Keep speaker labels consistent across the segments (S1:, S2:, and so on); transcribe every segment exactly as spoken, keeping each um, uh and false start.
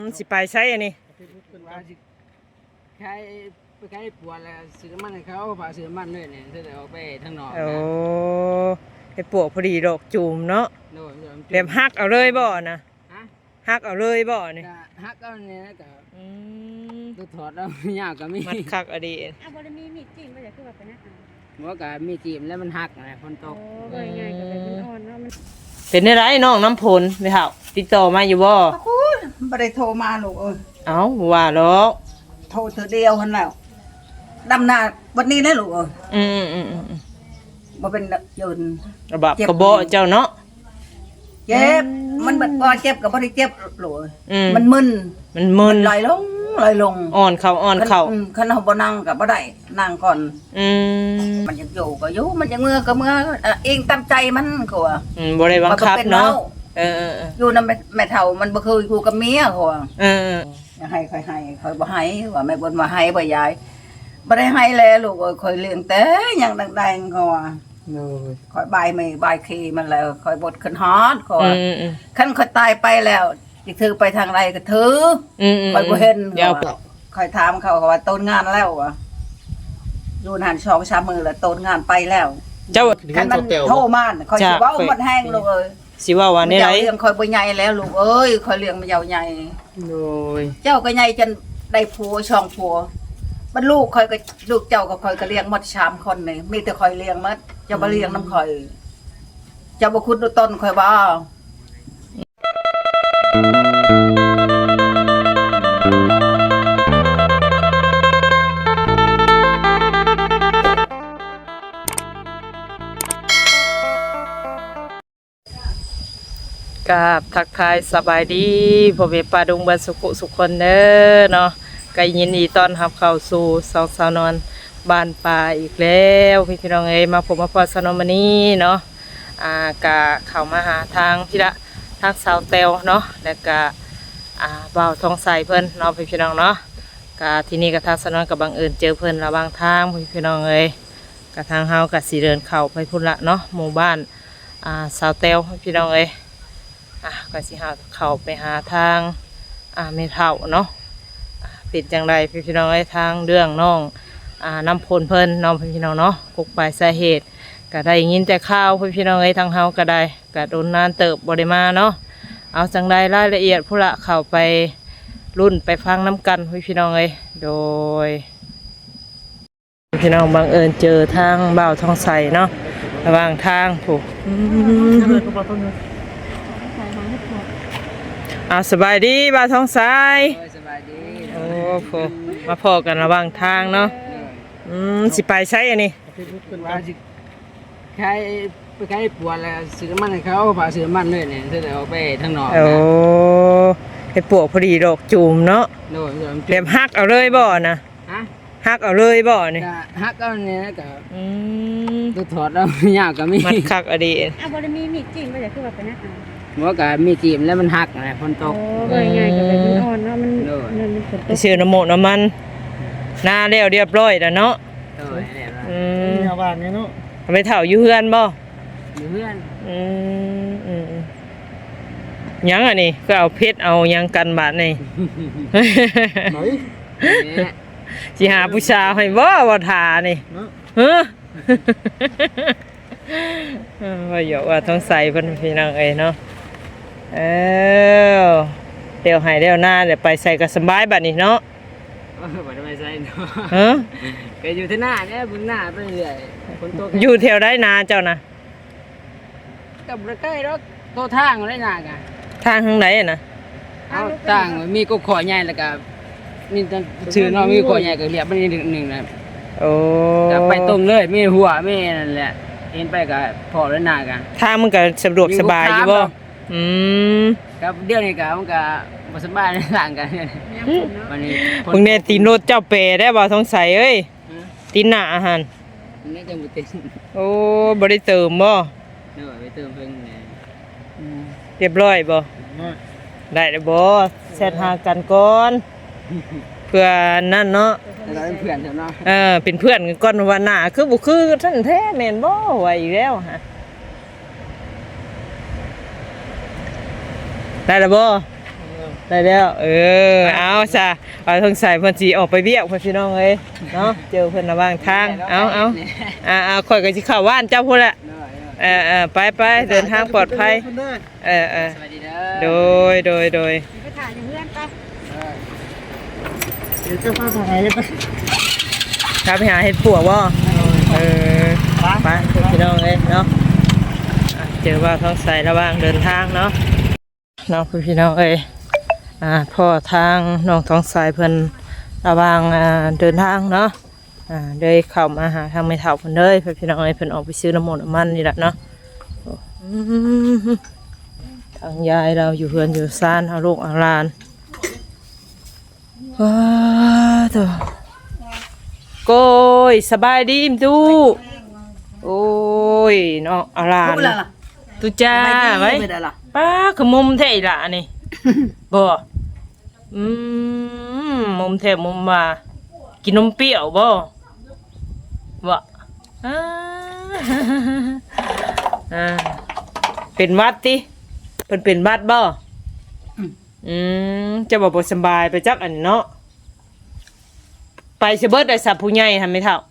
S1: สิไปใช้อันนี้
S2: ใช้ไปใช้ปวดแล้วซื้อน้ำมันให้เขาผ่าซื้อน้ำมันเลยเนี่ยจะได้ออกไปทางนอก
S1: โอ้ไอ้ปวกพอดีดอกจูมเนาะเดี๋ยวฮักเอาเลยบ่นะฮักเอาเลยบ่นี่
S2: ฮักเอาเนี่ยก็ตัวถอดแล้วยากก็มี
S1: มันคักอดีต
S3: อ่ะบ่ได้มีมีดจิ้มบ่อยากคือแบบนั้น
S2: หัวก็มีจิ้มแล้วมันหักนะฝนตก
S3: โอ้ยง่ายก็แบบมันอ่อนเนาะมัน
S1: เป็นได้ไรน้องน้ำพลไม่เท่าติดต่อมาอยู่บ่
S4: คุณบ่ได้โทรมาลูกเอ้ย
S1: เอ้าว่าหรอก
S4: โทรเธอเดียวหั่นแล้วดำนาวันนี้ได้ลูกเอ้ย
S1: อืมอืมอืม
S4: บ่เป็นยืน
S1: ระบาดกระโบเจ้าเนาะ
S4: เจ็บมันบ่บ่เจ็บก็บ่ได้เจ็บลูกมันมึน
S1: มันมึน
S4: ลอยลงลอยลง
S1: อ่อนเข่าอ่อนเข่า
S4: คันเฮาบ่นั่งก็บ่ได้นั่งก่อน
S1: อืม
S4: มันยังอยู่ก็อยู่มันยังเมื่อก็เมื่อเองตามใจมันก็ว่า
S1: อืมบ่ได้บังคับเนาะเออๆ
S4: อยู่นำแม่เฒ่ามันบ่เคยอยู่กับเมียเขาว่า
S1: เออ
S4: ให้ค่อยให้ค่อยบ่ให้ว่าแม่บ่นว่าให้บ่ยายบ่ได้ให้แล้วลูกเอ้ยค่อยเลี้ยงแต่ยังดังๆเขาว่าโอ้ยค่อยบายไม่บายขี้มันแล้วค่อยบดขึ้นฮอดเขาว่าคันค่อยตายไปแล้วสิถือไปทางใดก็ถือค่อยบ่เห็นค่อยถามเขาว่าต้นงานแล้วว่ะอยู่นานสองสามมื้อแล้วต้นงานไปแล้ว
S1: เจ้า
S4: คันมันโทรมาค่อยสิเว้าหมดแห้งลูกเอ้ย
S1: สิว่าว่านี่ได
S4: เลี้ยงค่อยบ่ใหญ่แล้วลูกเอ้ยค่อยเลี้ยงมันยาวใหญ่
S1: โอ้ย
S4: เจ้าก็ใหญ่จนได้ผัวช่องผัวบรรลูกค่อยก็ลูกเจ้าก็ค่อยก็เลี้ยงหมดสามคนนี่มีแต่ค่อยเลี้ยงหมดเจ้าบ่เลี้ยงนำค่อยเจ้าบ่คุดดูต้นค่อยบ่
S1: กับทักทายสบายดีพ่อแม่ป้าดุงบ้านสุขสุขคนเด้อเนาะก็ยินดีต้อนรับเข้าสู่สองสาวนอนบ้านป่าอีกแล้วพี่พี่น้องเอ้ยมาผมมาพอสนมนี้เนาะอ่ากะเข้ามาหาทางพี่ละทางสาวเตวเนาะแล้วก็อ่าบ่าวทองใสเพิ่นเนาะพี่พี่น้องเนาะกะที่นี่กะทางสนอนกับบังเอิญเจอเพิ่นระหว่างทางพี่พี่น้องเอ้ยกะทางเฮากะสิเดินเข้าไปพุ่นละเนาะหมู่บ้านอ่าสาวเตวพี่น้องเอ้ยอ่ะก็สิหาเข้าไปหาทางอ่าเมเท่าเนาะเป็นจังไรพี่พี่น้องไอ้ทางเรื่องน้องอ่าน้ำพลเพิ่นน้องพี่น้องเนาะปลุกปลายสาเหตุก็ได้ยินแต่ข้าวพี่พี่น้องไอ้ทางเฮาก็ได้ก็โดนนานเติบบริมาเนาะเอาจังไรรายละเอียดผู้ละเข้าไปรุ่นไปฟังน้ำกันพี่พี่น้องไอ้โดยพี่น้องบังเอิญเจอทางบ่าวทองใสเนาะระหว่างทางถูกอ่าสบายดีบ่าวทองใส
S2: สบายดี
S1: โอ้โหมาพอกันระหว่างทางเนาะอืมสิไปใช้อันนี้
S2: ใช้ไปใช้ปวดแล้วซื้อน้ำมันให้เขาผ่าซื้อน้ำมันเลยเนี่ยจะได้ออกไปทางนอก
S1: โอ้ไอ้ปวกพอดีดอกจูมเนาะเดี๋ยวฮักเอาเลยบ่นะฮักเอาเลยบ่นี่
S2: ฮักเอาเนี่ยก็ตัวถอดแล้วยากก็มี
S1: มันคักอดีต
S3: อ่ะบ่ได้มีมีดจิ้มบ่อยากคือแบบนั้น
S2: หัวก็มีจิ้มแล้วมันหักนะฝนตก
S3: โอ้ยง่ายก็แบบมันอ่อนเนาะมันมันฝนตก
S1: เชื่อน้ำโมน้ำมันหน้าเรียวเรียบร้อยแล้วเนาะอืม
S2: ชาวบ้านเนี่ยเนาะ
S1: ไปเถ่าอยู่เฮือนบ่
S2: อยู่เฮือน
S1: อืมอืมยังอันนี้ก็เอาเพชรเอายังกันบาดนี่สิหาผู้ชายให้บ่บ่ทานี่เฮ้อว่าอยู่ว่าต้องใส่เพิ่นพี่น้องเอ้ยเนาะเออเดี๋ยวให้เดี๋ยวหน้าเดี๋ยวไปใส่ก็สบายบัดนี้เนาะ
S2: บ่ได้ไปใส่เนาะ
S1: ฮะ
S2: ก็อยู่ที่หน้าเนี่ยบนหน้าไปเรื่อยฝนตก
S1: อยู่แถวได้นาเจ้านะ
S2: กับบ่ใกล้ดอกโตทางได้นากะ
S1: ทางทางไหนน่ะ
S2: เอาทางมีกบขอใหญ่แล้วก็มีชื่อเนาะมีขอใหญ่ก็เรียบมันนิดนึงนะ
S1: โอ้
S2: ก็ไปตรงเลยมีหัวมีนั่นแหละเห็นไปก็พอแล้วนากะ
S1: ทางมันก็สะดวกสบายอยู่บ่อืม
S2: ครับเดี๋ยวนี้ก็มันก็บ่สบายในทางกัน
S1: วันนี้มึงเนี่ยตีนรถเจ้าเปได้บ่สงสัยเอ้ยตีนหน้าอาหาร
S2: นี่จะบ่ติด
S1: โอ้บ่ได้เติมบ่
S2: เด้อไปเติมเพิ่นแหน่
S1: เรียบร้อยบ่ได้แล้วบ่แชทหากันก่อนเพื่อนั่นเนาะ
S2: เราเป็นเพื่อนเนาะ
S1: เออเป็นเพื่อนกันก่อนว่าหน้าคือบ่คือท่านแท้แม่นบ่ว่าอีกแล้วฮะได้แล้วบ่อได้แล้วเออเอาจ้ะเอาทางสายเพิ่นสิออกไปเวียกเพิ่นพี่น้องเอ้ยเนาะเจอเพิ่นระหว่างทางเอาเอาอ่าๆข่อยก็สิเข้าบ้านเจ้าพุ่นแหละเออๆไปๆเดินทางปลอดภัยเออ
S2: สวัสดีเด้
S1: ๆโด
S2: อย
S1: โดยโดย
S3: ไปถ่ายอยู่เพื่อนไป
S2: เดี๋ยวเจ้าพ่อทำไงกัน
S1: ครับไปหาเฮ็ดปวกบ่เออไปพี่น้องเอ้ยเนาะอ่ะเจอว่าท้องใสระหว่างเดินทางเนาะเนาะพี่น้องเอ้ยอ่าพ่อทางน้องท้องใสเพิ่นระหว่างอ่าเดินทางเนาะอ่าเดินเข้ามาหาทางไม่เฒ่าเพิ่นเด้ยพี่น้องเอ้ยเพิ่นออกไปซื้อน้ำมันน้ำมันนี่แหละเนาะโอ้อืมทางยายเราอยู่เฮือนอยู่ซ่านเอาลูกเอาหลานว้าตัวโกยสบายดีมตูโอ้ยเนาะเอาหลาน
S4: พูดแล้วล่ะ
S1: ตุจ้าไว้
S4: ไม่ได้ล่ะ
S1: ป้าคือมุมแท้อีหล่ะนี่ บ่อืมมุมแท้มุมว่ากินนมเปรี้ยวบ่บ่อ่า อ่าเป็นหวัดติเพิ่นเป็นหวัดบ่อืมจะบ่บ่สำบายไปจักอันเนาะไปสิเบิดได้สับผู้ใหญ่ทำไม่เท่า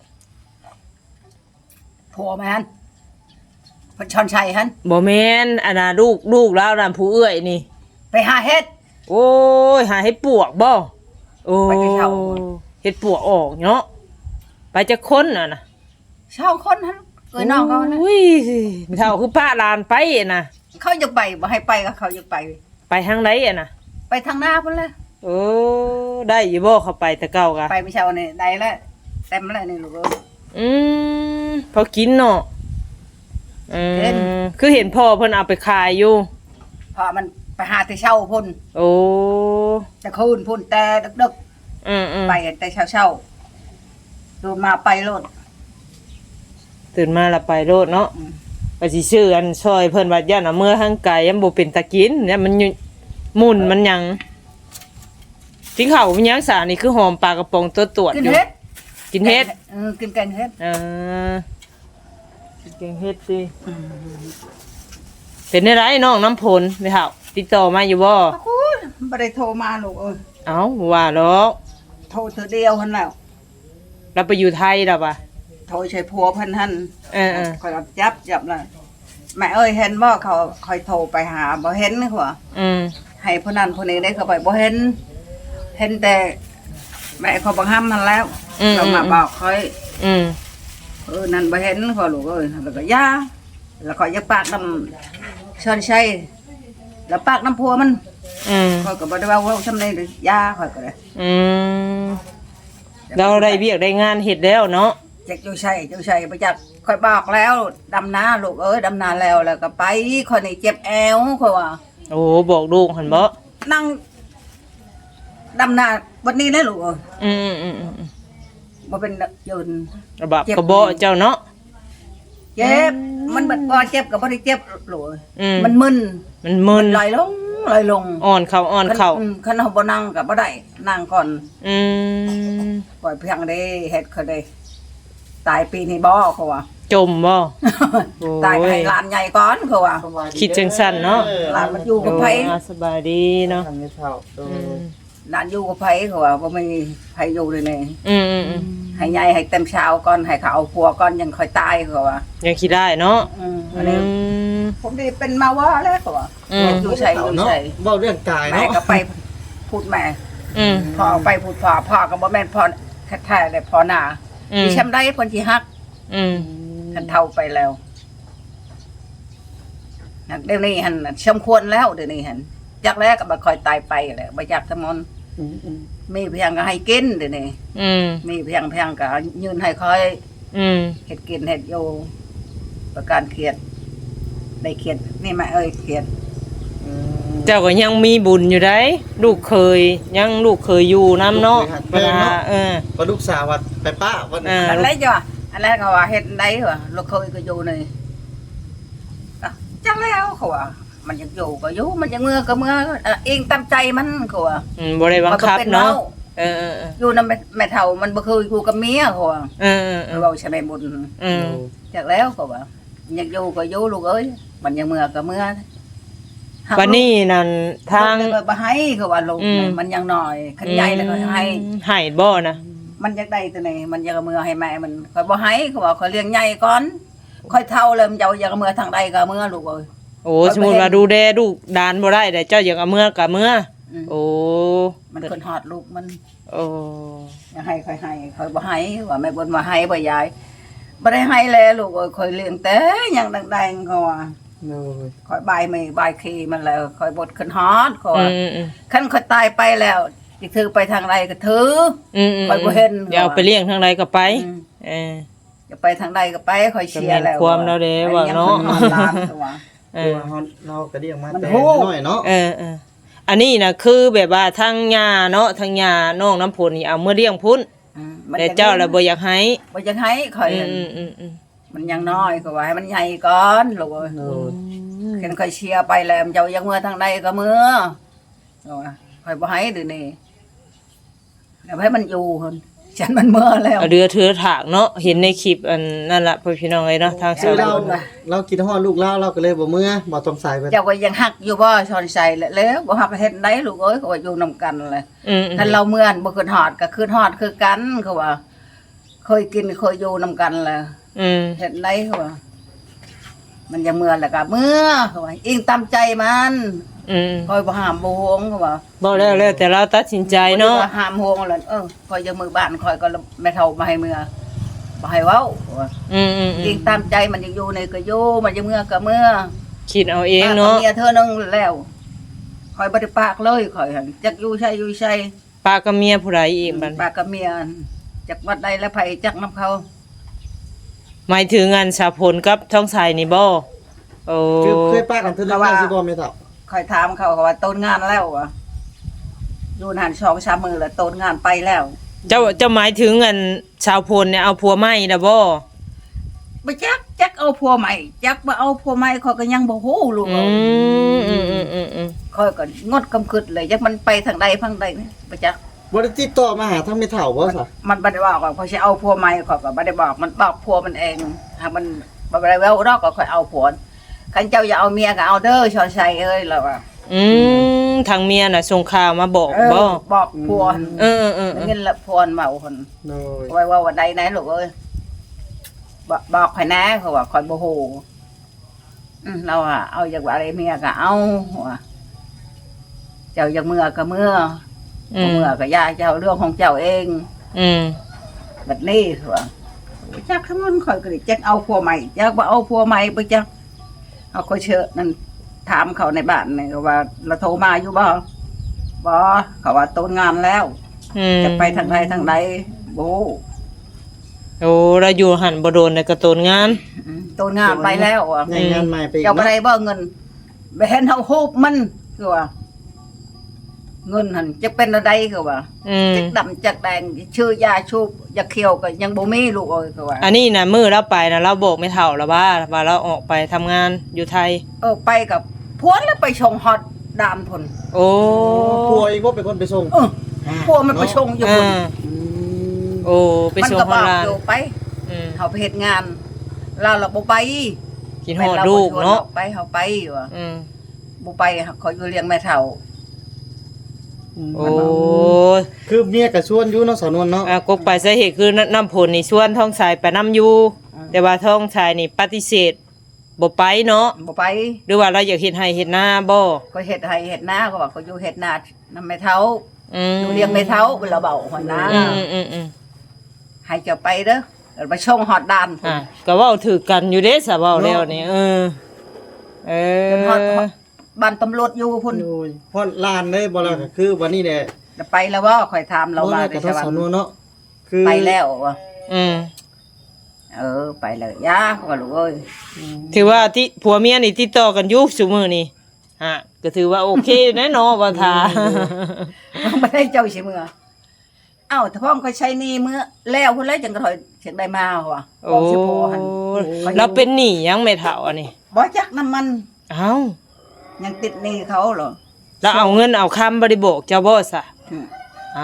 S4: ผัวแม่นเพิ่นชอนชัยหัน
S1: บ่แม่นอันน่ะลูกลูกแล้วนั่นผู้เอื้อยนี่
S4: ไปหาเฮ็ด
S1: โอ้ยหาเห็ดปวกบ่โอ้
S4: ไปที่เช่า
S1: เห็ดปวกออกเนาะไปจะค้นอ่ะนะ
S4: ชาวคนหันเอ้ยน้องเขานะ
S1: อุ้ยไม่เท่าคือป้าลานไปอะนะ
S4: เขาอยากไปบ่ให้ไปก็เขาอยากไป
S1: ไปทางไหนอะนะ
S4: ไปทางหน้าพุ่นเลย
S1: โอ้ได้อยู่บ่เข้าไปแต่เก่ากะ
S4: ไปไม่เช้านี่ได้แล้วเต็มแล้วนี่ลูกเอ้ย
S1: อืมพอกินเนาะอื
S4: เห็น
S1: มคือเห็นพ่อเพิ่นเอาไปขายอยู่
S4: พอมันไปหาที่เช่าพุ่น
S1: โอ้
S4: จะคืนพุ่นแต่ดึก
S1: อืมอืม
S4: ๆไปแต่เช้าเช้าๆดูมาไปโลด
S1: ตื่นมาและไปโลดเนาะ
S4: อืม
S1: ไปสิซื้ออันซอยเพิ่นว่าย่านเอาเมื่อทางไกลยังบ่เป็นตะกินเนี่ยมันอยู่หมุนมันหยังกินข้าวมันหยังสานี่คือหอมปลากระป๋องตัวตรวจ
S4: กิน
S1: อยู่
S4: เฮ็ด
S1: กินเฮ็ด
S4: เออกินแกงเฮ็ด
S1: เออกินแกงเฮ็ดสิเป็นได้ไรน้องน้ำผลไม่เท่าติดต่อมาอยู่บ่
S4: โอ้ยบ่ได้โทรมาลูกเอ้ย
S1: เอ้าว่าหรอก
S4: โทรเธอเดียวหั่นแล้ว
S1: เราไปอยู่ไทยแล้วป่ะ
S4: โทรใช้ผัวเพิ่นหั่น
S1: เออเออ
S4: คอยรับจับจับเลยแม่เอ้ยเห็นบ่เขาคอยโทรไปหาบ่เห็นหัว
S1: อืม
S4: ให้ผู้นั้นผู้นี้ได้เข้าไปบ่เห็น เห็นแต่แม่เขาบังคับมันแล้วเรามาบอกคอย
S1: อืม
S4: เออนั่นบ่เห็นขอลูกเอ้ยแล้วก็ย่าแล้วก็อย่าปากน้ำชอนชัยแล้วปากน้ำพัวมัน
S1: อืม
S4: คอยก็บ่ได้ว่าเว่าซำนี้เลยย่าคอยก็ได้
S1: อืมเราได้เบียกได้งานเฮ็ดแล้วเนาะ
S4: จักอยู่ชัยอยู่ชัยบ่จักคอยบอกแล้วดำนาลูกเอ้ยดำนาแล้วแล้วก็ไปคอยนี่เจ็บแอวคอยว่า
S1: โอ้บอกลูกหั่นบ่
S4: นั่งดำนาวันนี้นะลูกเอ้ย
S1: อืมอืมอืมอืม
S4: บ่เป็นยืน
S1: ระบาบกระบอกเจ้าเนาะ
S4: เจ็บมันบ่บ่เจ็บก็บ่ได้เจ็บลูกเอ้ย
S1: อืม
S4: มันมึน
S1: มันมึน
S4: ลอยลงลอยลง
S1: อ่อนเข่าอ่อนเข่า
S4: อืมคันเฮาบ่นั่งก็บ่ได้นั่งก่อน
S1: อืม
S4: ปล่อยเพียงได้เฮ็ดเขาได้ตายปีนี้บ่เขาว่า
S1: จมบ่ โอ้ย
S4: ตายให้หลานใหญ่ก่อนเขาว่า
S1: คิดจังสั่นเนาะ
S4: หลานมันอยู่กับไผ
S1: โอ้สบายดีเนาะ
S2: ทำไม่เท่าโด
S1: อืม
S4: หลานอยู่กับไผเขาว่าบ่มีไผอยู่เลยนี่
S1: อืมอืมอืม
S4: ให้ใหญ่ให้เต็มเช้าก่อนให้เขาเอาผัวก่อนยังค่อยตายเขาว่า
S1: ยังคิดได้เนาะ
S4: อืมอั
S1: อื
S4: นนี้
S1: ม
S4: ผมได้เป็นมาว่าแล้วเขาว่า
S1: อืม
S4: อยู่ใส่อยู่ใส่
S2: เว้าเรื่องกาย
S4: แม่
S2: เนาะ
S4: ก็ไปพูดแม่
S1: อืม
S4: พ่อไปพูดพ่อพ่อก็บ่แม่นพ่อแท้ๆเลยพ่อหน้า
S1: อืม
S4: ดิฉันได้คนที่ฮัก
S1: อืม
S4: หันเท่าไปแล้วเดี๋ยวนี้หันสมควรแล้วเดี๋ยวนี้หันจากแรกก็บ่ค่อยตายไปแหละบ่อยากทำมนมีเพียงก็ให้กินเดี๋ยวนี้
S1: อืม
S4: มีเพียงเพียงก็ยืนให้คอย
S1: อืม
S4: เฮ็ดกินเฮ็ดอยู่ประการเครียดได้เครียดนี่แม่เอ้ยเครียด
S1: เจ้าก็ยังมีบุญอยู่ได้ลูกเคยยังลูกเคยอยู่น้ำเนาะเวลาเออ
S2: พอลูกสาววัดไปป้าวัน
S1: อ่า
S4: อันแรกจ้ะอันแรกก็ว่าเฮ็ดได้เหรอลูกเคยก็อยู่นี่อ่ะจังแล้วเขาว่ามันยังอยู่ก็อยู่มันยังเมื่อก็เมื่อเอ่อเองตามใจมันเขาว่า
S1: อืมบ่ได้บังคับเนาะเออเออเออ
S4: อยู่นำแม่เฒ่ามันบ่เคยอยู่กับเมียเขาว่า
S1: เออเออเออ
S4: เราใช่ไหมบุญ
S1: อืม
S4: จากแล้วเขาว่ายังอยู่ก็อยู่ลูกเอ้ยมันยังเมื่อก็เมื่อ
S1: วันนี้นั่นทาง
S4: ลูกเลยบ่ให้เขาว่าลูก
S1: อืม
S4: มันยังน้อยคันใหญ่แล้วก็ให้
S1: ให้บ่นะ
S4: มันอยากได้ตัวนี้มันอยากเอามือให้แม่มันข่อยบ่ให้เขาว่าข่อยเลี้ยงใหญ่ก่อนข่อยเท่าเลยมันจะเอาอยากเอามือทางใดก็เอามือลูกเอ้ย
S1: โอ้สมมุติว่าดูแลลูกดานบ่ได้แต่เจ้าอยากเอาเมื่อก็เมื่อ
S4: อืม
S1: โอ้
S4: มันคนฮอดลูกมัน
S1: โอ้
S4: อยากให้ข่อยให้ข่อยบ่ให้ว่าแม่บ่นว่าให้บ่ยายบ่ได้ให้แล้วลูกเอ้ยข่อยเลี้ยงแต่ยังดังๆเขาว่า
S2: โดย
S4: ข่อยบายไม่บายขี้มันแล้วข่อยบดขึ้นฮอดเขา
S1: อื
S4: ว่า
S1: มอืม
S4: คันข่อยตายไปแล้วสิถือไปทางใดก็ถือ
S1: อืมอืม
S4: ข่อยบ่เห็น
S1: อย่าเอาไปเลี้ยงทางใดก็ไป
S4: อืม
S1: เออ
S4: จะไปทางใดก็ไปข่อยเชียร์แล้ว
S1: ก็แม่นความแล้วเด้ว่าเนาะ
S4: ไอ้ยังพิ่นฮอดล้านตัว
S1: เอ
S2: ตัว
S1: อ
S2: เฮาเราก็เรียกมา
S4: มัน
S2: แต่
S4: โห
S2: น้อยเนาะ
S1: เออเอออันนี้นะคือแบบว่าทางยาเนาะทางยาน้องน้ำผลนี่เอาเมื่อเลี้ยงพุ่น
S4: อืมมัน
S1: แต่เจ้าละบ่อยากให้
S4: บ่อยากให้ข่อย
S1: อื
S4: นั่น
S1: มอืมอืมอืม
S4: มันยังน้อยก็ว่าให้มันใหญ่ก่อนลูกเอ้ย
S2: โดย
S4: เห็นข่อยเชียร์ไปแล้วมันเจ้ายังเมื่อทางใดก็เมื่อเอาว่าข่อยบ่ให้เดี๋ยวนี้แล้วให้มันอยู่หั่นฉันมันเมื่อแล้ว
S1: เอาเดือถือถากเนาะเห็นในคลิปอันนั่นล่ะพ่อพี่น้องเอ้ยเนาะทาง
S2: คื
S1: สา
S2: อ
S1: ว
S2: เรา
S1: บุญ
S2: เราคิดฮอดลูกเราเราก็เลยบ่เมื่อบ่ต้องใส่ไป
S4: เจ้าก็ยังหักอยู่บ่ชอนใส่แล้วบ่หักเฮ็ดได้ลูกเอ้ยเขาว่าอยู่นํกันเลย
S1: อืมอืม
S4: คันเราเมื่อนบ่คืนฮอดก็คืนฮอดคือกันเขาว่า เคยกินเคยอยู่นํกันแหละ
S1: อืม
S4: เฮ็ดได้เขาว่า มันยังเมื่อนแล้วก็เมื่อเขาว่าอิงตามใจมัน
S1: อืม
S4: คอยบ่ห้ามบ่ฮวงเขาว่า
S1: บ่แล้วแล้วแต่เราตัดสินใจเนาะ
S4: บ่ได้ว่ห้ามฮวงแล้วเออคอยจะมือบ้านคอยก็แม่เฒ่ามาให้เมื่อบ่ให้เว้าเขาว่า
S1: อืมอืมอื
S4: อิ
S1: ม
S4: งตามใจมันยังอยู่ในก็อยู่มันจะเมื่อก็เมื่อ
S1: คิดเอาเองเนาะ
S4: ป้กับเมียเธอนึงแล้วคอยบ่ได้ปากเลยคอยหั่นจักอยู่ใช่อยู่ใช่
S1: ป้ากับเมียผู้ใดอีกบัด
S4: ปากกับเมียจากวัดใดแล้วไผจักน้ำเขา
S1: หมายถึงงานสาพลกับท้องสายนี่บ่โอ้
S2: คือเคยป้ากันเทื่อนึงแล้วสิบ่แม่เฒ่า
S4: คอยถามเขาเขาว่าต้นงานแล้วอ่ะอยู่นานสองสามมือแล้วต้นงานไปแล้ว
S1: เจ้าเจ้าหมายถึงงานชาวพลเนี่ยเอาผัวใหม่น่ะบ่
S4: บ่จักจักเอาผัวใหม่จักบ่เอาผัวใหม่เขาก็ยังบ่ฮู้ลูก
S1: อื
S4: เอ้ย
S1: มอืมอืมอืมอืม
S4: คอยก็งดกำคึดเลยจักมันไปทางใดทางใดนี่บ่จัก
S2: บ่ได้ติดต่อมาหาทางแม่เฒ่าบ่ซะ
S4: มันบ่ได้บอกว่าเขาสิเอาผัวใหม่เขาก็บ่ได้บอกมันบอกผัวมันเองหากมันบ่ได้เว้าดอกก็ค่อยเอาผัวคันเจ้าอย่าเอาเมียก็เอาเด้อชอนชัยเอ้ยแล้วว่า
S1: อืมทางเมียน่ะส่งข่าวมาบอก
S4: เออ
S1: บ่
S4: บอกผัวหั่น
S1: เออเออเออ
S4: เงินละผัวเมาหั่น
S2: โดย
S4: ไว้ว่าวันใดไหนลูกเอ้ยบอกบอกข่อยนะเขาว่าข่อยบ่ฮู้อืมเราอะเอาจากว่าอะไรเมียก็เอาว่าเจ้าอยากเมื่อก็เมื่อ
S1: อื
S4: บ่
S1: ม
S4: เมื่อก็อย่าเจ้าเรื่องของเจ้าเอง
S1: อืม
S4: แบบนี้ว่าจักทั้งนั้นข่อยก็ได้จักเอาผัวใหม่จักบ่เอาผัวใหม่ไปจักเอาข่อยเชิญนั่นถามเขาในบ้านนี่ว่าเราโทรมาอยู่บ่บ่เขาว่าต้นงานแล้ว
S1: อืม
S4: จะไปทางใดทางใดบ่ฮู้
S1: โอ้เราอยู่หันบ่โดนในกระตูนงาน
S4: อืมต้นงานไปแล้วอ่ะ
S2: ในงานใหม่ไปอีก
S4: เจ้าบ่
S2: เนาะ
S4: ได้บ่เงินไปเห็นเฮาฮูบมันคือว่า เงินหั่นจะเป็นอะไรคือว่า
S1: อืม
S4: จักดำจักแดงชื่อยาชูบยาเขียวก็ยังบ่มีลูกเอ้ยคือว่า
S1: อันนี้น่ะมื้อเราไปน่ะเราบอกไม่เท่าแล้วว่าว่าเราออกไปทำงานอยู่ไทย
S4: เออไปกับพวนแล้วไปชงฮอตดามพุ่น
S1: โอ้
S2: ผัวเองบ่เป็นคนไปส่ง
S4: เออพวกมันไปชงอยู่
S1: อ่า
S4: พุ่น
S2: อืม
S1: โอ้ไป
S4: มัน
S1: ส่ง
S4: ก็
S1: ฮ
S4: บ
S1: อ
S4: อ
S1: ล
S4: ก
S1: ลาน
S4: อยู่ไป
S1: อืม
S4: เฮาไปเฮ็ดงาน เราเราบ่ไป
S1: กินฮอดลูกเนาะ
S4: ไปเฮาไปอยู่อะ
S1: อืม
S4: บ่ไปเขาอยู่เลี้ยงแม่เฒ่า
S1: โอ้
S2: คือเมียก็ชวนอยู่เนาะสาวนวลเนาะ
S1: อ่ะกกไปสาเหตุคือน้ำผลนี่ชวนท้องสายไปน้ำอยู่ แต่ว่าท้องชายนี่ปฏิเสธบ่ไปเนาะ
S4: บ่ไป
S1: หรือว่าเราอยากเฮ็ดให้เฮ็ดหน้าบ่
S4: ก็เฮ็ดให้เฮ็ดนาเขาว่าเขาอยู่เฮ็ดนานำแม่เฒ่า
S1: อืม
S4: อยู่เลี้ยงแม่เฒ่าเวลาเบาหัวหน้า
S1: อืมอืมอืมอืม
S4: ให้เจ้าไปเด้อเดี๋ยวไปชงฮอดดานพุ่น
S1: อ่ะก็เว้าถือกันอยู่เด้ซะเว้าแล้วนี่เออเอ
S4: จนฮอด
S1: อ
S4: บ้านตำรวจอยู่พุ่น
S2: โอ้ยพอลานได้บ่ล่ะก็คือวันนี้แหละ
S4: จะไปแล้วว่าข่อยถามเรา
S2: บ่
S4: ว่า
S2: ได้
S4: ได้
S2: กับ
S4: ใช่
S2: ทาง
S4: ว่า
S2: สาวนวลเนาะคือ
S4: ไปแล้วว่ะ
S1: อืม
S4: เออ ไปเลยยาเขาก็ลูกเอ้ย
S1: ถือว่าที่ผัวเมียนี่ติดต่อกันอยู่ซุมื้อนี่ฮะก็ถือว่าโอเคแน่เนอนว่าทา
S4: ไม่ได้เจ้าสิมือเอ้าถ้าพ่อมก็ใช้หนี่มื้อแล้วพุ่นแล้วจังก็ถอยเสียงได้มาว่ะ
S1: โอ้
S4: สิโพหัน
S1: เราเป็นหนี้ยังไม่เท่าอันนี้
S4: บ่จักน้ำมัน
S1: เอ้า
S4: ยังติดหนี้เขาเหรอ
S1: แล้วเอาเงินเอาคำบ่ได้บอกเจ้าบ่ซะ
S4: อืม
S1: อ้าว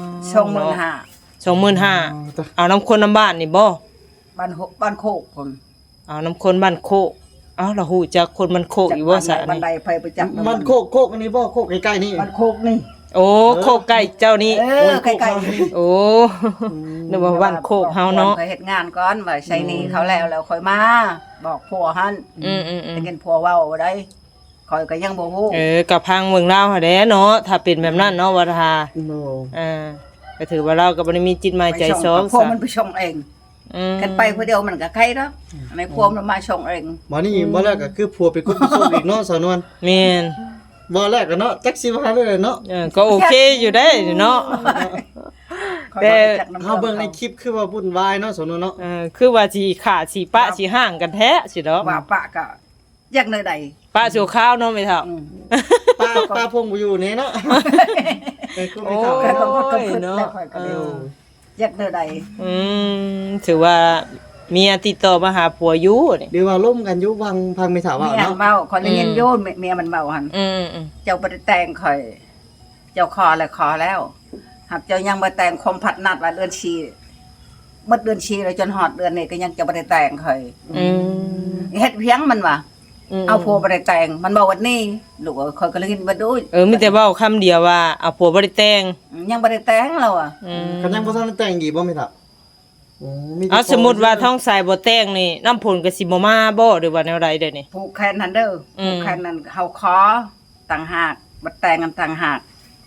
S4: ชงหมื่นห้า
S1: สองหมื่นห้าเอาน้ำคนน้ำบ้านนี่บ่
S4: บ้านหกบ้านโคกพุ่น
S1: เอาน้ำคนบ้านโคกอ้าวเราฮู้จักคนมันโคกอยู่บ่ซะ
S4: บันได
S1: นี่
S4: ไปไปจับ
S5: มันโคกโคกอันนี้บ่โคกใกล้ๆนี่
S4: มันโคกนี่
S1: โอ้โคกไก่เจ้านี่
S4: เออใกล้ๆ
S1: โอ้นึกว่าบ้านโคกเฮาเนาะ
S4: ไปเฮ็ดงานก่อนว่าใช้หนี้เขาแล้วแล้วค่อยมาบอกผัวหั่น
S1: อืมอืมอื
S4: แต่
S1: ม
S4: เงินผัวเว้าบ่ได้ข่อยก็ยังบ่ฮู้
S1: เออกับพังเมืองลาวหั่นแหละเนาะถ้าเป็นแบบนั้นเนาะว่าถ้า
S5: โน
S1: อ่าก็ถือว่าเราก็บ่ได้มีจิตหมายใจสอง
S4: ผัว
S1: ซะ
S4: มันไปส่งเอง
S1: อืม
S4: กันไปผู้เดียวมันก็ใครเนาะไม่ผัวมันมาส่งเอง
S5: บ่นี่บ่แรกก็คือผัวไปกุ๊บไปส่งอีกเนาะสาวนวล
S1: แม่น
S5: บ่แรกก็เนาะจักสิว่าได้เลยเนาะ
S1: เออก็โอเคอยู่ได้เนาะ แต่
S5: เฮาเบิ่งในคลิปคือว่าวุ่นวายเนาะสาวนวลเนาะ
S1: เออคือว่าสิขาดสิปะสิห่างกันแท้สิเนาะ
S4: ว่าปะก็อยากเลยใด
S1: ปะสิวข้าวเนาะไม่เท่า
S4: อืม
S5: ป้าป้าพงบ่อยู่นี่เนาะเออคือไม่เท่า
S4: ก็ต้องก็
S1: โอ้ย
S4: ขึ้น
S1: เนาะ
S4: แล้วค่อยก็เร็วอยากเลยใด
S1: อืมถือว่าเมียติดต่อมาหาผัวอยู่นี่
S5: หรือว่าล่มกันอยู่วังพังไม่ถาว่า
S4: เมีย
S5: เนาะ
S4: เมาคนได้ยินโยนเมียมันเมาหั่น
S1: อืมอืม
S4: เจ้าบ่ได้แต่งข่อย เจ้าขอแล้วขอแล้วหากเจ้ายังบ่แต่งคมผัดนัดว่าเดือนชีหมดเดือนชีแล้วจนฮอดเดือนนี้ก็ยังจะบ่ได้แต่งข่อย
S1: อืม
S4: เฮ็ดเพียงมันว่ะ
S1: ม
S4: เอาผัวบ่ได้แต่งมันบอกว่านี่ลูกเอ้ยข่อยก็เลยกินบ่ดู
S1: เออมีแต่เว้าคำเดียวว่าเอาผัวบ่ได้แต่ง
S4: ยังบ่ได้แต่งแล้วอ่ะ
S1: อืม
S5: กันยังบ่ทันได้แต่งดีบ่ไม่ถาอืมีแต่
S1: เอาสมมุติว่าท้องสายบ่แต่งนี่น้ำผลก็สิบ่มาบ่หรือว่าแนวใดเด้อนี่
S4: ผูกแขนนั่นเด้ออ
S1: ม
S4: ผูกแขนนั่นเฮาขอต่างหากบ่แต่งกันต่างหาก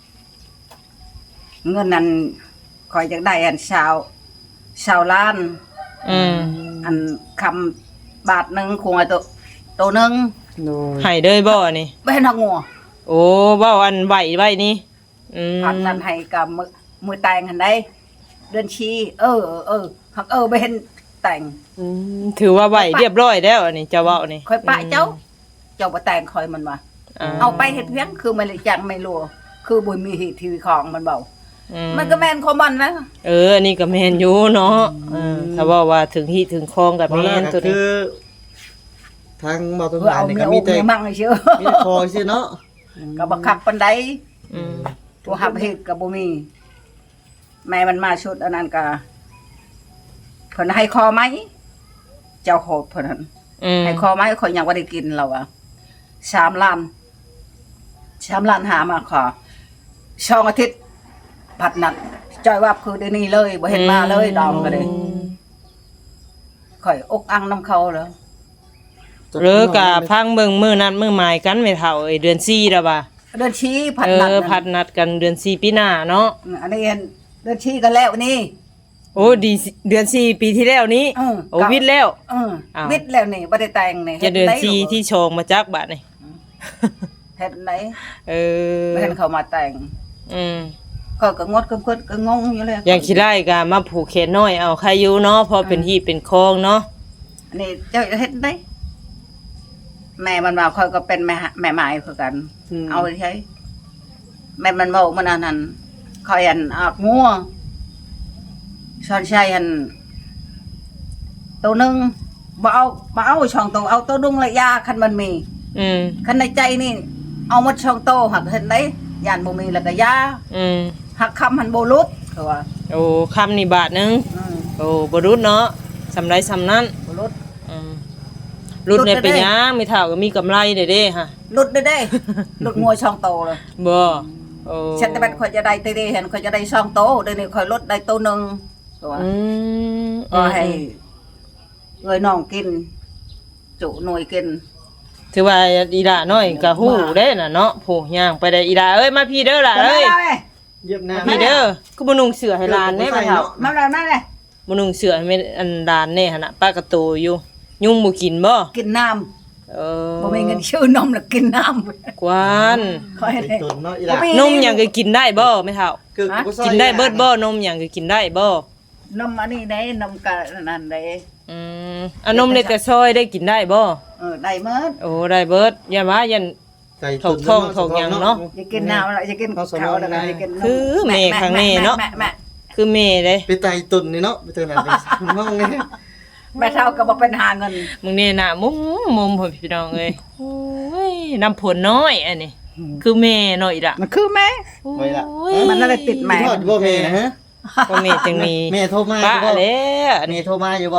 S4: เงินนั้นข่อยอยากได้อันชาวชาวล้าน
S1: อืม
S4: อันคำบาทหนึงคงไอ้ตัวตัวหนึง
S5: โน
S1: ให้เด้อบ่นี่
S4: บ่ให้นักงัว
S1: โอ้เว้าอันไหวไว้นี่อืม
S4: พันนั้นให้กับมือมือแต่งหันได้เดือนชี เออเออเออหักเออไปเห็นแต่ง
S1: อืมถือว่าไหวเรียบร้อยแล้วอันนี้เจ้าเว้านี่
S4: คอยปะเจ้า เจ้าบ่แต่งคอยมันมา
S1: อ่า
S4: เอาไปเฮ็ดเพียงคือมันเลยจังไม่รู้คือบ่มีเหตุทีวีของมันเบา
S1: อื
S4: มันก็แม่นของมันนะ
S1: เอออันนี้ก็แม่นอยู่เนาะเออถ้าว่าว่าถึงที่ถึงคลองกับ
S5: บ่
S1: แม่
S5: แรก
S1: น
S5: ก็
S1: ตัว
S5: คื
S1: นี้
S5: อทางบ่าวต้น
S4: เพื่อ
S5: หา
S4: เอา
S5: นี่
S4: เมี
S5: ก็
S4: ย
S5: มี
S4: อก
S5: แต่
S4: เมียมั่งให้เชื่อ
S5: มีแต่คอซื่อเนาะ
S4: ก็บักคับปานใด
S1: อืม
S4: ตัวหับเหตุก็บ่มี แม่มันมาชุดอันนั้นก็เพิ่นให้คอไหมเจ้าโหดเพิ่นนั้น
S1: อืม
S4: ให้คอไหมข่อยยังบ่ได้กินแล้วอ่ะสามล้านสามล้านหามาขอช่องอาทิตย์ผัดหนักจ้อยว่าคือเดี๋ยวนี้เลยบ่เห็นมาเลยดองก็เลยข่อยอกอังน้ำเขาแล้ว
S1: หรือกะพังเบิ่งมื้อนั้นมื้อหมายกันไม่เท่าเอ้ยเดือนสี่แล้วบ่า
S4: เดินชี้ผัด
S1: เอ
S4: หนัก
S1: อพัดนัดกันเดือนสี่ปีหน้าเนาะ
S4: อันนี้เดินชี้กันแล้วนี่
S1: โอ้ดีสิเดือนสี่ปีที่แล้วนี้
S4: เออ
S1: โอ้วิทย์แล้ว
S4: เออ
S1: อ้าว
S4: วิทย์แล้วนี่บ่ได้แต่งนี่
S1: จะเดือน
S4: ฮ็ไ
S1: สี่ที่ชงมาจักบาดนี่
S4: เฮ็ดไหน
S1: เออ
S4: บ่เห็นเขามาแต่ง
S1: อืม
S4: ก็ก็งดก็เพิ่นก็งงอยู่เลย
S1: อย่างคิดได้ก็มาผูกแขนน้อยเอาใครอยู่เนาะพอเป็นฮีเป็นคองเนาะ
S4: อันนี้เจ้าเฮ็ดได้แม่มันว่าค่อยก็เป็นแม่หาแม่หมายคือกัน
S5: ม
S4: เอาใช้แม่มันบอกมันอันนั้นคอยอันออกงัวช้อนชัยอันตัวหนึงบ่เอาบ่เอาช่องตัวเอาตัวดุงระยะคันมันมี
S1: อืม
S4: คันในใจนี่ เอาหมดช่องโตหักเห็นได้ยานบ่มีแล้วก็ยา
S1: อืม
S4: หักคำหันบ่ลุดคือว่า
S1: โอ้คำนี่บาทหนึง
S4: อืม
S1: โอ้บ่รุดเนาะสำไรสำนั้น
S4: บ่ลุด
S1: อืมรุดเนี่ย
S4: รุดได้
S1: เป็นหยังไม่เท่าก็มีกำไรเด้เด้ฮะ
S4: ลุดได้เด้ ลุดงัวช่องโตเลย
S1: บ่โอ้
S4: ฉันแต่บัดข่อยจะได้เตเด้เห็นข่อยจะได้ช่องโตเดี๋ยวนี้ข่อยลดได้โตหนึงคือว่า
S1: อืม
S4: ก็ให้เอ้ยน้องกิน จุหน่วยกิน
S1: ถือว่าอีดาน้อยก็ฮู้เด้น่ะเนาะผู้ย่างไปได้อีดาเอ้ยมาพี่เด้อล่ะเอ้ย
S5: เย็บหน้า
S1: พี่เด้อคือบ่นุ่งเสื้อให้หลานแน่บ่เฒ่า
S4: มาแล้วมาเลย
S1: บ่นุ่งเสื้อให้แม่อันหลานแน่หั่นน่ะป้ากระโตอยู่ยุงบ่กินบ่
S4: กินน้
S1: เออ
S4: ำบ่มีเงินชื่อนมแล้วกินน้ำ
S1: กวาน
S4: ค่อย
S5: ไอ้
S4: ได้
S5: ตุนเนาะอีหล่ะ
S4: บ่มี
S1: นมหยังก็กินได้บ่แม่เฒ่า
S5: คือ
S4: ฮะ
S5: กูซอย
S1: กินได้เบิดบ่นมหยังก็กินได้บ่
S4: นมอันนี้ได้นมกะนั่นได้
S1: อืมอันนมเล็กแต่ซอยได้กินได้บ่
S4: เออได้หมด
S1: โอ้ได้เบิดอย่าว่ายัน
S5: ไก่
S1: ถกท้องถกหยังเนาะ
S4: อย่ากินน้ำแล้วอย่ากิน
S5: เอาสม
S4: ข้าว
S5: อง
S4: แล้วก็
S5: ไง
S4: อย่ากินนม
S1: คือแม่ข้างนี้เนาะ
S4: แม่แม่
S1: คือแม่เด้
S5: ไปไต่ตุนนี่เนาะไปเจอหน้าไปมองไง
S4: แม่เท่าก็บ่เป็นหาเงิน
S1: มึงนี่น่ะมุมมุมพ่อพี่น้องเอ้ยโอ้ยน้ำผลน้อยอันนี้คือแม่น้อยล่ะ
S4: มันคือแม่
S5: ไว้ละ
S1: โอ้ย
S4: มันอะไรติดแม่
S5: ทอดอยู่บ่แม่นะฮะ
S1: บ่แม่จังมี
S5: แม่โทรมาอ
S1: ป้า
S5: ยู่บ่
S1: แล้วอัน
S5: แม่
S1: นี้
S5: โทรมาอยู่บ่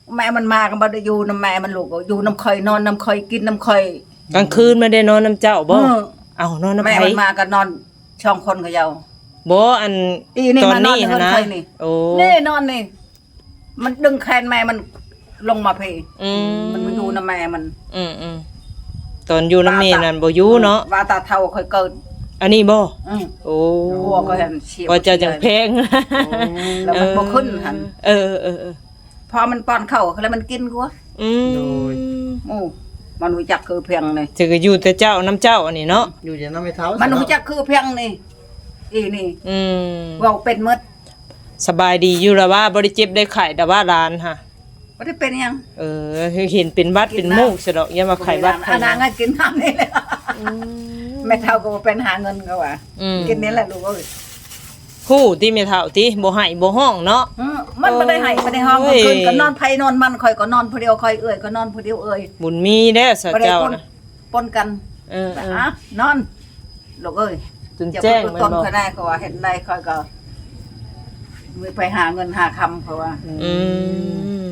S4: แม่มันมาก็บ่ได้อยู่นำแม่มันลูกอยู่นำข่อยนอนนำข่อยกินนำข่อย
S1: กลางคืนไม่ได้นอนน้ำเจ้าบ่
S4: เออ
S1: เอานอนน้ำ
S4: แม่
S1: ไผ
S4: มันมาก็นอนช่องคนกับเยา
S1: บ่อัน
S4: อีนี่
S1: ตอน
S4: มานอน
S1: นี้
S4: เฮือน
S1: นะ
S4: ข่อยนี่
S1: โอ้
S4: นี่นอนนี่มันดึงแขนแม่มันลงมาเพ
S1: อืม
S4: มันมาอยู่นำแม่มัน
S1: อืมอืมตอนอยู่น้ำเมนั่นบ่อยู่เนาะ
S4: ว่าตาเท่าค่อยเกิด
S1: อันนี้บ่
S4: อือ
S1: โอ้
S4: หัวก็เห็นเฉียบ
S1: พอเจะจังแพง
S4: แล้วมันบ่ขึ้นหั่น
S1: เออเออเออ
S4: พอมันป้อนเข้าวแล้วมันกินกูวะ
S1: อืม
S4: โอ้มันรู้จักคือเพียงนี่
S1: จะก็อยู่แต่เจ้าน้ำเจ้าอันนี้เนาะ
S5: อยู่อย่างนั้นไม่เท้า
S4: มันรู้
S5: เาะ
S4: จักคือเพียงนี่อีนี่
S1: อืม
S4: เว้าเป็นหมด
S1: สบายดีอยู่ละว่าบ่ได้เจ็บได้ไข้แต่ว่าร้านฮะ
S4: บ่ได้เป็นหยัง
S1: เออคือเห็นเป็นบัดเป็นมูกซะดอกอย่ามาไข้บัดไข้
S4: อันนางก็กินน้ำนี่แหละแม่เฒ่าก็บ่เป็นหาเงินก็ว่า
S1: อืม
S4: กินนี่แหละลูกเอ้ย
S1: ฮู้ติแม่เฒ่าติบ่ให้บ่ห้องเนาะ
S4: อืมมันบ่ได้ให้บ่ได้ห้อง
S1: โอ้
S4: กลาง
S1: ย
S4: คืนก็นอนไผนอนมันข่อยก็นอนผู้เดียวข่อยเอ้ยก็นอนผู้เดียวเอ้ย
S1: บุญมีแด้ซะ
S4: บ่ได้
S1: เจ้า
S4: ปน
S1: นะ
S4: ปนกัน
S1: เออเออ
S4: อ่ะนอนลูกเอ้ย
S1: จนแจ้ง
S4: จะ
S1: แม่
S4: ต้
S1: น
S4: น
S1: บ่
S4: ก็ได้ก็ว่าเห็นได้ค่อยก็มือไปหาเงินหาคำเพราะว่า
S1: อืม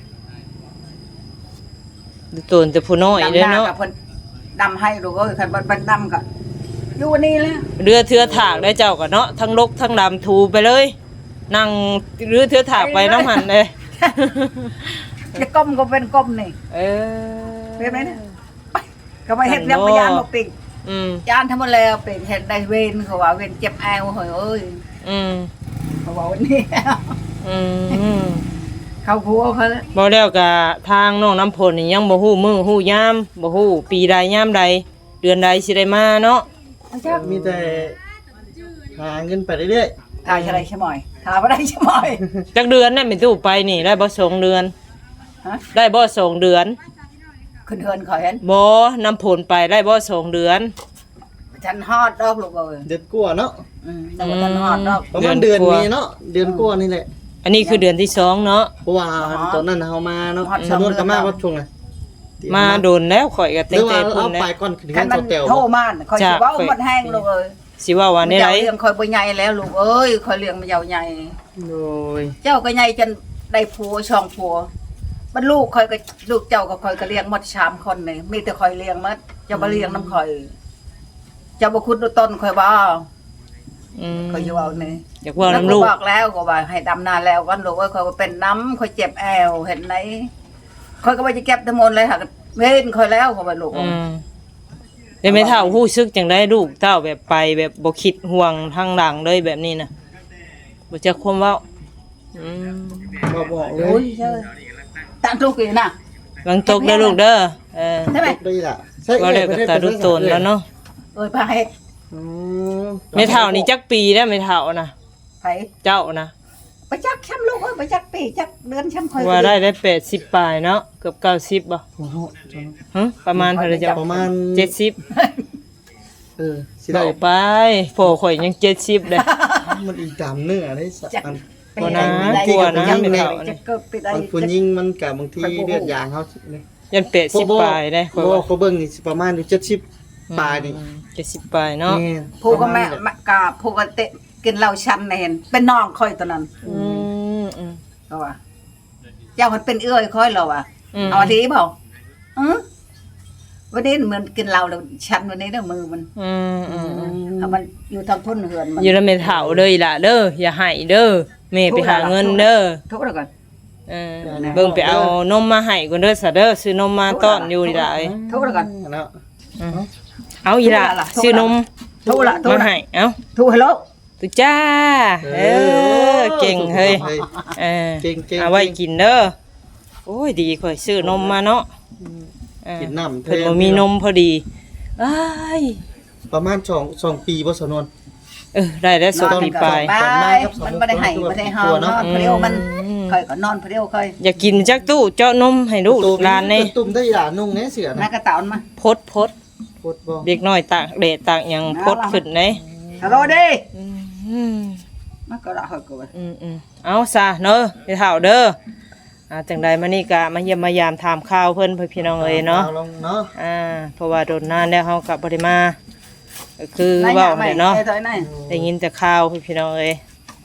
S1: ดูตนแต่ผู้น้อยเด้อ
S4: ดำหน้า
S1: เนาะ
S4: กับเพิ่นดำให้ลูกเอ้ยคันมันดำก็อยู่นี่แหละ
S1: เรือเทือถากได้เจ้าก็เนาะทั้งลกทั้งดำทูไปเลย นั่งเรือเทือถากไปน้ำหันเลย
S4: จะก้มก็เป็นก้มนี่
S1: เออ
S4: เป็นไหมเนี่ยไปก็ไปเฮ็ดแล้วพยานบ่ปิง
S1: อืม
S4: ยานทำมาแล้วเป็นเฮ็ดได้เวนเขาว่าเวนเจ็บแอวเฮ้ยเอ้ย
S1: อืม
S4: เขาว่าวันนี้
S1: อืม
S4: เขาผัวเขาแล้ว
S1: บ่แล้วก็ทางน้องน้ำพลนี่ยังบ่ฮู้มื้อฮู้ยามบ่ฮู้ปีใดยามใด เดือนใดสิได้มาเนาะ
S5: มีแต่หาเงินไปเรื่อย
S4: ถ่ายอะไรใช่ไหมถ่ายบ่ได้ใช่ไหม
S1: จักเดือนนั่นเป็นตู้ไปนี่ได้บ่สองเดือน
S4: ฮะ
S1: ได้บ่สองเดือน
S4: ขึ้นเฮือนเขาเห็น
S1: บ่น้ำผลไปได้บ่สองเดือน
S4: ฉันฮอดดอกลูกเอ้ย
S5: ๆเดือนกว่าเนาะ
S4: อืมแต่ว่าฉันฮอดดอก
S5: ประมาณ
S1: เดื
S5: เดื
S1: อ
S5: อน น
S1: กว่า
S5: นี้เนาะเดือนกว่านี่แหละ
S1: อันนี้คือเดือนที่สองเนาะ
S5: เพราะว่าตอนนั้นเฮามาเนาะสมมุติก็มาว่าช่วงไหน
S1: มาโดนแล้วข่อยก็
S5: ห
S1: เต็
S5: รื
S1: ง
S5: อ
S1: ใจ
S5: ว่า
S1: พุ่น
S5: เอา
S1: แล้ว
S5: ไปก่อนขึ้น
S4: คั
S5: เงิ
S4: น
S5: น
S4: มัน
S5: เสาเตียว
S4: โทรมาคอยสิเว้าหมดแห้งลูกเอ้ย
S1: สิว่าว่านี่ไร
S4: เจ้าเลี้ยงคอยบ่ใหญ่แล้วลูกเอ้ยคอยเลี้ยงมันยาวใหญ่
S5: โดย
S4: เจ้าก็ใหญ่จนได้ผัวช่องผัวบรรลูกคอยก็ลูกเจ้าก็คอยก็เลี้ยงหมดสามคนนี่มีแต่คอยเลี้ยงหมดเจ้าบ่เลี้ยงน้ำคอยเจ้าบ่คุดดูต้นคอยบ่
S1: อืม
S4: คอยอยู่เอานี่
S1: อยากว่าน้ำลูก
S4: แวบอกแล้วก็ว่าให้ดำนาแล้วกันลูกเอ้ยคอยว่าเป็นน้ำคอยเจ็บแอวเห็นไหนคอยก็ว่าจะเก็บทั้งหมดเลยค่ะเว้นคอยแล้วก็ว่าลูก
S1: อืมได้ไม่เท่าฮู้ซึกจังได้ลูกเต้าแบบไปแบบบ่คิดห่วงทางหลังเลยแบบนี้นะบ่จักความเว้าอืม
S5: บ่บอกเล
S4: โอ้ย
S5: ย
S4: เจ้าตั้งลูกอีกนะ
S1: วางตกเด้อลูกเด้อเออ
S4: ใช่ไหม
S5: ได้ล่ะ
S1: ว่าแล้วก็ตาดูตนแล้วเนาะ
S4: เอ้ยไปให้
S5: อืม
S1: ไม่เท่านี่จักปีแล้วไม่เท่านะ
S4: ไป
S1: เจ้านะ
S4: ไปจักช้ำลูกเอ้ยไปจักปีจักเดือนช้ำคอย
S1: ว่าได้ได้แปดสิบปลายเนาะเกือบเก้าสิบบ่
S5: โอ้โห
S1: ฮะประมาณเท่าไหร่จ้ะ
S5: ประมาณ
S1: เจ็ดสิบ
S5: เออสิได้
S1: เอาไปโผล่ข่อยยังเจ็ดสิบเลย
S5: มันอีกตามเนื้อได้สักอัน
S1: บ่นะกลัวนะไม่เท่า
S4: จะ
S1: นี่
S4: เกิดไปได้
S5: บางผู้หญิงมันกับบางทีเลือดยางเขาเนี่ย
S1: ยันแปดสิบปลายได้ข่อย
S5: บ่
S1: ว่า
S5: เขาเบิ่งนี่สิประมาณอยู่เจ็ดสิบปลายนี่
S1: เจ็ดสิบปลายเนาะ
S5: นี่
S4: ผู้ก็แม่แม่กาผู้ก็เตะกินเหล้าชันน่ะเห็นเป็นน้องค่อยตอนนั้น
S1: อืมอืม
S4: ก็ว่าเจ้ามันเป็นเอื้อยค่อยเราอ่ะ
S1: อืม
S4: เอาดีเปล่าอือวันนี้เหมือนกินเหล้าแล้วชันวันนี้เด้อมือมัน
S1: อืมอืมอืม
S4: เอามันอยู่ทางพุ่นเหือนมัน
S1: อยู่แล้วไม่เฒ่าเลยล่ะเด้ออย่าให้เด้อแม่ไปหาเงินเด้อ
S4: ทุกข์แล้วก่อน
S1: เออเบิ่งไปเอานมมาให้ก่อนเด้อซะเด้อซื้อนมมาต้อนอยู่นี่ล่ะเอ้ย
S4: ทุกข์แล้วก่อน
S5: เนาะ
S1: อืมเอาอีล่ะ
S4: ทุกข์ละ
S1: ซื้อนม
S4: ทุกข์ละทุกข์
S1: มา
S4: ละ
S1: ให้เอ้า
S4: ทุกข์ฮัลโหล
S1: ตุจ้าเออเก่งเฮ้ยเออ
S5: เก่งเก่ง
S1: เอาไว้กินเด้อโอ้ยดีข่อยซื้อนมมาเนาะเออ
S5: กินน้ำ
S1: เพิ่นบ่มีนมพอดีอ้าย
S5: ประมาณสองสองปีบ่สนวน
S1: เออได้แล้วสองปีปลาย
S4: ไปมันบ่ได้ให้บ่ได้หอมนอนเพลียวมันค่อยก็นอนเพลียวค่อย
S1: อยากกินจักตู้เจาะนมให้ลูกหลานนี่
S5: ตุ่มได้หลานนุ่งแน่เสือ
S4: นั
S5: นะ
S4: กกระตอนมา
S1: พดพด
S5: โคตรบ่
S1: เด็กน้อยตากแดดตากหยังพดขึ้นเด้
S4: ฮัลโหลดิ
S1: อืม
S4: มันก็ละค่อยก็ว่า
S1: อืมอืมเอาซะเด้อไปเฒ่าเด้ออ่าจังใดมานี่ก็มาเยี่ยมมายามถามข่าวเพิ่นเพื่อพี่น้องเอ้ยเนาะ
S5: อลงเนาะ
S1: อ่าเพราะว่าโดนนานแล้วเฮาก็บ่ได้มาก็คือเว้าได้เนาะ
S4: ไอ้ถอยไหน
S1: ได้ยินแต่ข่าวเพื่อพี่น้องเอ้ย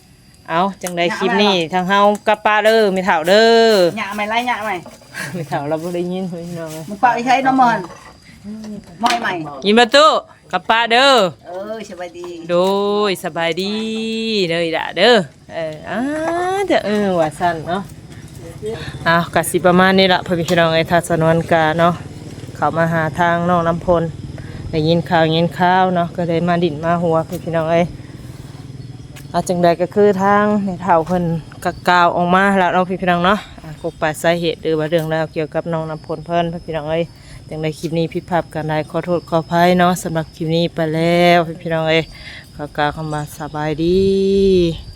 S1: เอาจังไดคลิปนี้ทางเฮากับป้าเด้อไม่เฒ่าเด้อ
S4: หยาไหมไล่หยาไหม
S1: ไม่เฒ่าเราบ่ได้ยินพี่น้องเอ้ย
S4: มึงปะใช้น้ำมันมอยใหม่
S1: ยินประตูกับป้าเด้อ
S4: เออสบายดี
S1: โดยสบายดีเด้อด่าเด้อเอออ่าเด้อเออว่าซั่นเนาะอ้าวก็สิประมาณนี้ล่ะพ่อพี่น้องเอ้ยถ้าสนวนกาเนาะเข้ามาหาทางน้องน้ำพลได้ยินข่าวยินข่าวเนาะก็เลยมาดิ่นมาหัวพ่อพี่น้องเอ้ยอาจังใดก็คือทางในเฒ่าเพิ่นกะกล่าวออกมาแล้วเนาะพี่น้องเนาะอ่ากกปาสาเหตุหรือว่าเรื่องราวเกี่ยวกับน้องน้ำพลเพิ่นพ่อพี่น้องเอ้ยจังใดคลิปนี้ผิดพลาดกันใดขอโทษขออภัยเนาะสำหรับคลิปนี้ไปแล้วพี่น้องเอ้ยขอกล่าวคำว่าสบายดี